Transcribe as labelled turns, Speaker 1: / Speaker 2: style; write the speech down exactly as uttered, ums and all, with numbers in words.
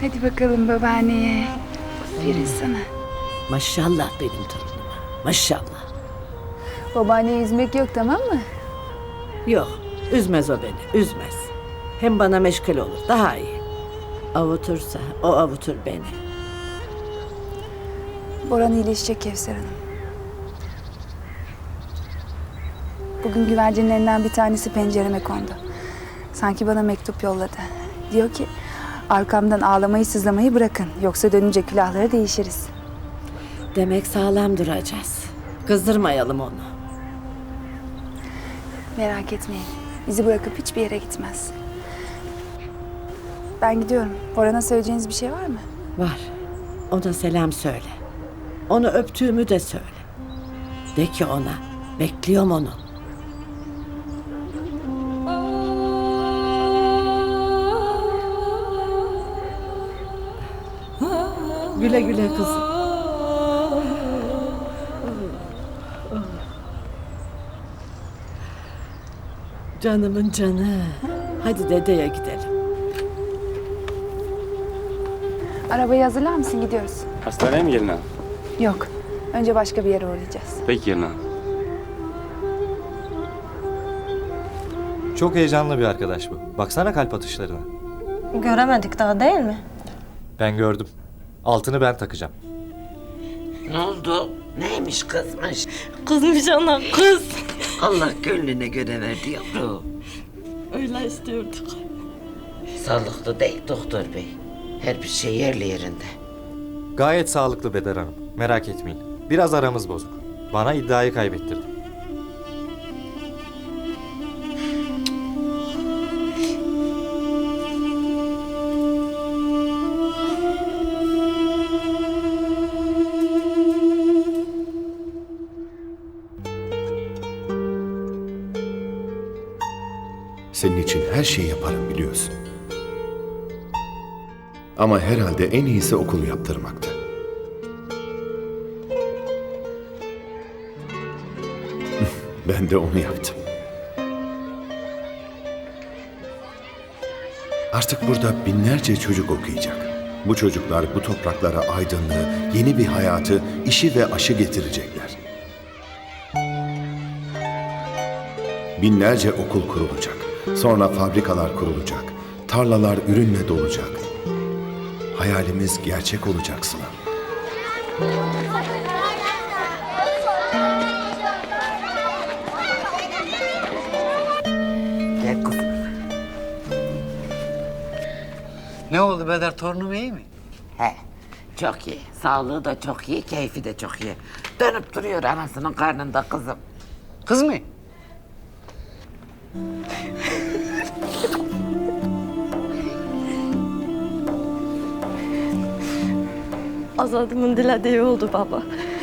Speaker 1: Hadi bakalım babaanneye. Aferin sana.
Speaker 2: Maşallah benim torunuma. Maşallah.
Speaker 1: Babaanneyi üzmek yok, tamam mı?
Speaker 2: Yok, üzmez o beni, üzmez. Hem bana meşgul olur, daha iyi. Avutursa o avutur beni.
Speaker 1: Boran iyileşecek Kevser Hanım. Bugün güvercinlerinden bir tanesi pencereme kondu. Sanki bana mektup yolladı. Diyor ki arkamdan ağlamayı sızlamayı bırakın. Yoksa dönünce külahları değişiriz.
Speaker 2: Demek sağlam duracağız. Kızdırmayalım onu.
Speaker 1: Merak etmeyin. Bizi bırakıp hiçbir yere gitmez. Ben gidiyorum. Boran'a söyleyeceğiniz bir şey var mı?
Speaker 2: Var, ona selam söyle. Onu öptüğümü de söyle. De ki ona, bekliyorum onu. Güle güle kızım. Canımın canı. Hadi dedeye gidelim.
Speaker 1: Arabayı hazırlar mısın? Gidiyoruz.
Speaker 3: Hastaneye mi gelin ha?
Speaker 1: Yok. Önce başka bir yere uğrayacağız.
Speaker 3: Peki gelin ha.
Speaker 4: Çok heyecanlı bir arkadaş bu. Baksana kalp atışlarına.
Speaker 5: Göremedik daha değil mi?
Speaker 4: Ben gördüm. Altını ben takacağım.
Speaker 6: Ne oldu? Neymiş kızmış?
Speaker 5: Kızmış ana kız.
Speaker 6: Allah gönlüne göre verdi yavrum.
Speaker 5: Öyle istiyorduk.
Speaker 6: Sağlıklı değil doktor bey. Her bir şey yerli yerinde.
Speaker 4: Gayet sağlıklı Bedar Hanım. Merak etmeyin. Biraz aramız bozuk. Bana iddiayı kaybettirdi.
Speaker 7: Senin için her şeyi yaparım biliyorsun. Ama herhalde en iyisi okulu yaptırmaktı. Ben de onu yaptım. Artık burada binlerce çocuk okuyacak. Bu çocuklar bu topraklara aydınlığı, yeni bir hayatı, işi ve aşı getirecekler. Binlerce okul kurulacak. Sonra fabrikalar kurulacak. Tarlalar ürünle dolacak. Hayalimiz gerçek olacak Sıla.
Speaker 6: Gel kızım.
Speaker 8: Ne oldu Bedar, torunum iyi mi?
Speaker 6: He, çok iyi. Sağlığı da çok iyi, keyfi de çok iyi. Dönüp duruyor anasının karnında kızım.
Speaker 8: Kız mı?
Speaker 5: Azadımın dilediği oldu baba.